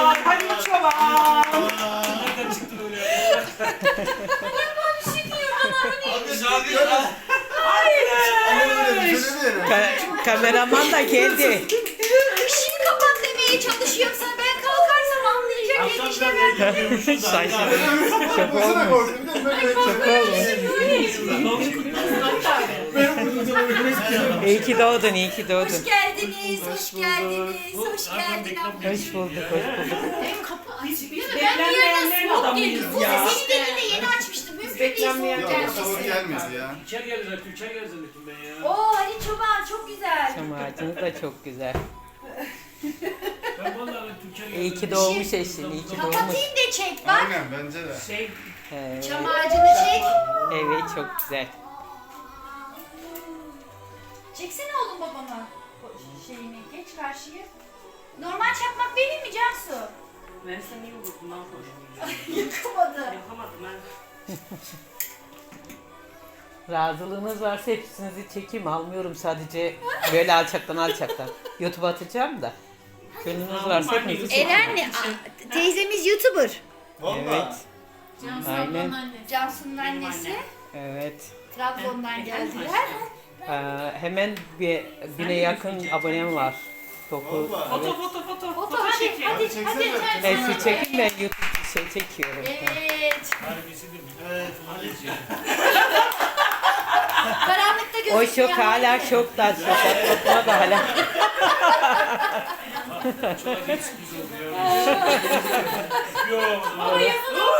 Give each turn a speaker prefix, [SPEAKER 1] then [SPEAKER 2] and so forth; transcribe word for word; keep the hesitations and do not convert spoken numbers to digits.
[SPEAKER 1] çoban, hadi çoban.
[SPEAKER 2] Nereden çıktı böyle?
[SPEAKER 3] Bir şey diyor bana hani.
[SPEAKER 2] Abi şarkı ya.
[SPEAKER 4] Ka- kameraman da geldi.
[SPEAKER 3] İşini kapat demeye çalışıyorum sana. Ben kalkarsam anlayacak
[SPEAKER 2] Akşam
[SPEAKER 3] yetişme
[SPEAKER 2] biraz
[SPEAKER 3] ben.
[SPEAKER 2] eğleniyormuşuz da.
[SPEAKER 4] Şaşırdım. Çok olmuş. Çok olmuş. İyi ki doğdun, iyi ki
[SPEAKER 3] Hoş
[SPEAKER 4] doğdun.
[SPEAKER 3] geldiniz, hoş geldiniz, hoş geldin abla.
[SPEAKER 4] Hoş bulduk, hoş bulduk.
[SPEAKER 3] Ev kapı açık.
[SPEAKER 1] Biz
[SPEAKER 3] Ben bir yerden
[SPEAKER 1] beklenmeyenlerin
[SPEAKER 3] soğuk
[SPEAKER 1] adamıyız
[SPEAKER 3] geliyor. Bu
[SPEAKER 1] ya.
[SPEAKER 3] senin elinde yeni açmıştım. Mümkün değil soğuk
[SPEAKER 1] beklenmeyen-
[SPEAKER 5] Yok o tavır
[SPEAKER 3] gelmesi.
[SPEAKER 5] gelmez ya.
[SPEAKER 2] Tülker geldi zaten, Tülker geldi zannettim ben ya.
[SPEAKER 3] Oo Ali Çoban çok güzel.
[SPEAKER 4] Çam ağacınız da çok güzel.
[SPEAKER 2] Ben vallahi Tülker geldi.
[SPEAKER 4] İyi ki doğmuş eşin, iyi ki doğmuş.
[SPEAKER 3] Kapatayım da çek bak.
[SPEAKER 5] Aynen bence de.
[SPEAKER 1] Şey,
[SPEAKER 4] Evet,
[SPEAKER 3] Çam ağacını çek.
[SPEAKER 4] evet çok güzel.
[SPEAKER 3] Çeksene oğlum babama. O şeyini geç karşıya. Normal çakmak benim mi Cansu?
[SPEAKER 1] ben seni iyi vurdum lan hoş.
[SPEAKER 3] Yıkamadı.
[SPEAKER 1] Yapamadım ben.
[SPEAKER 4] Razılığınız varsa hepsinizi çekeyim. Almıyorum sadece böyle alçaktan alçaktan. YouTube'a atacağım da. Gönlünüz varsa hepinizi çekeyim.
[SPEAKER 3] Elenli a- teyzemiz YouTuber.
[SPEAKER 4] Evet, aynen.
[SPEAKER 3] Cansu'nun annesi.
[SPEAKER 4] Evet.
[SPEAKER 3] Trabzon'dan geldiler.
[SPEAKER 4] Ee, hemen bir bine yakın abonem var. Topu.
[SPEAKER 5] Vallahi.
[SPEAKER 4] Evet.
[SPEAKER 1] Foto foto foto.
[SPEAKER 3] Foto hadi hadi
[SPEAKER 5] Hadi
[SPEAKER 3] hadi.
[SPEAKER 5] çeksene.
[SPEAKER 4] Hepsi çekin ben YouTube şey çekiyorum.
[SPEAKER 3] Evet.
[SPEAKER 2] Harbisi de mi?
[SPEAKER 5] Evet.
[SPEAKER 3] Karanlıkta
[SPEAKER 4] O
[SPEAKER 3] gözüküyor.
[SPEAKER 4] şok hala şokta. Şokat kopma da hala.
[SPEAKER 2] Çok acayip sürpriz oldu ya. Yok.
[SPEAKER 3] Ama yazılı